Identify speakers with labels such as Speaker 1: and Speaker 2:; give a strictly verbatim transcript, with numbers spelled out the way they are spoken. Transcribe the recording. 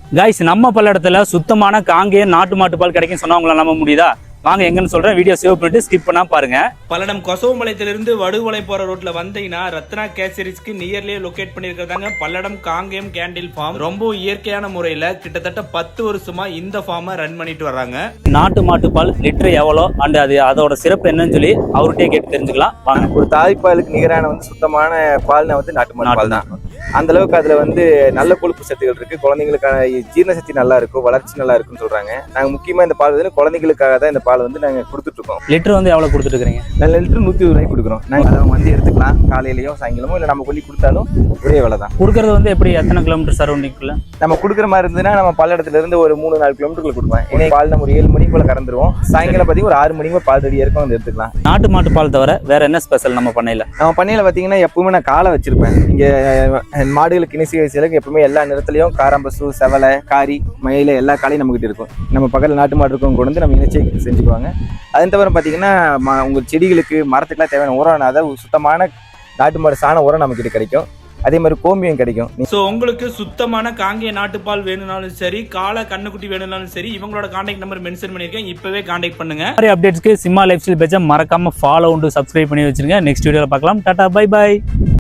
Speaker 1: Guys நம்ம பல்லடத்துல சுத்தமான காங்கேய நாட்டு மாட்டு பால் கிடைக்கும் சொன்னா உங்களால நம்ப முடியுதா? வாங்க எங்கன்னு சொல்றேன், வீடியோ சேவ் பண்ணிட்டு ஸ்கிப் பண்ணா பாருங்க.
Speaker 2: பல்லடம் கொசவம்பாளையத்திலிருந்து வடுவலை போற ரோட்ல வந்தீங்கன்னா ரத்னா கேசரிஸ்க்கு நியர்லியே லொகேட் பண்ணிருக்காங்க பல்லடம் காங்கேயம் கேண்டில் ஃபார்ம். ரொம்ப இயற்கையான முறையில கிட்டத்தட்ட பத்து வருஷமா இந்த ஃபார்மை ரன் பண்ணிட்டு வர்றாங்க.
Speaker 1: நாட்டு மாட்டு பால் லிட்டர் எவ்வளோ அண்ட் அது அதோட சிறப்பு என்னன்னு சொல்லி அவர்கிட்டயே கேட்டு தெரிஞ்சுக்கலாம் வாங்க.
Speaker 3: ஒரு தாய்ப்பாலுக்கு நிகரான வந்து சுத்தமான பால்னா வந்து நாட்டு மாட்டு பால் தான். அந்த அளவுக்கு அதுல வந்து நல்ல கொழுப்பு சத்துகள் இருக்கு. குழந்தைங்களுக்கான ஜீரண சக்தி நல்லா இருக்கும், வளர்ச்சி நல்லா இருக்குன்னு சொல்றாங்க. நாங்க முக்கியமா இந்த பால் வந்து குழந்தைங்களுக்காக தான் இந்த பால் வந்து நாங்க கொடுத்துட்டு இருக்கோம்.
Speaker 1: லிட்டர் வந்து எவ்வளவு கொடுத்துட்டு இருக்கீங்க?
Speaker 3: நல்ல லிட்டர் நூத்தி இருபது ரூபாய்க்கு கொடுக்குறோம். நாங்க அதை வந்து எடுத்துக்கலாம், காலையிலயோ சாயங்காலமோ இல்லை நம்ம கொல்லி கொடுத்தாலும் ஒரே வேலை தான்.
Speaker 1: கொடுக்கறது வந்து எப்படி எத்தனை கிலோமீட்டர் சரௌண்டிங்குள்ள
Speaker 3: நம்ம கொடுக்குற மாதிரி இருந்ததுன்னா நம்ம பல்லடத்துல இருந்து ஒரு மூணு நாலு கிலோமீட்டருக்குள்ள கொடுப்பேன். ஏன்னா பால் நம்ம ஒரு ஏழு மணிக்கு போல கறந்துருவோம். சாயங்காலம் பார்த்தீங்கன்னா ஒரு ஆறு மணிக்கு பால் ரெடியா இருக்கும், வந்து எடுத்துக்கலாம்.
Speaker 1: நாட்டு மாட்டு பால் தவிர வேற என்ன ஸ்பெஷல் நம்ம பண்ணையில?
Speaker 3: நம்ம பண்ணையில பாத்தீங்கன்னா எப்பவுமே நான் காலை வச்சிருப்பேன். இங்க மாடுகளுக்கு இனிசி வயசுல எப்பவுமே எல்லா நிறத்துலயும் காராம்பசு, செவலை, காரி, மயில எல்லா காலையும் நம்ம கிட்ட இருக்கும். நம்ம பக்கத்துல நாட்டு மாடு இருக்கும் கொண்டு வந்து நம்ம இணைச்சி செஞ்சுக்குவாங்க. அதன் தவிர பாத்தீங்கன்னா உங்க செடிகளுக்கு மரத்துக்குலாம் தேவையான உரம், அதாவது சுத்தமான நாட்டு மாடு சாண உரம் நம்ம கிட்ட கிடைக்கும். அதே மாதிரி கோமியம் கிடைக்கும்.
Speaker 2: சோ உங்களுக்கு சுத்தமான காங்கேய நாட்டுப்பால் வேணும்னாலும் சரி, காளை கண்ணுக்குட்டி வேணும்னாலும் சரி, இவங்களோட கான்டாக்ட் நம்பர் மென்ஷன் பண்ணிருக்கேன், இப்பவே கான்டாக்ட் பண்ணுங்க.
Speaker 1: மாதிரி அப்டேட்ஸ்க்கு சிம்மா லைஃப் ஸ்டைல் பேஜை மறக்காம ஃபாலோ உண்டு சப்ஸ்கிரைப் பண்ணி வச்சிருங்க. நெக்ஸ்ட் வீடியோல பார்க்கலாம். Tata bye by.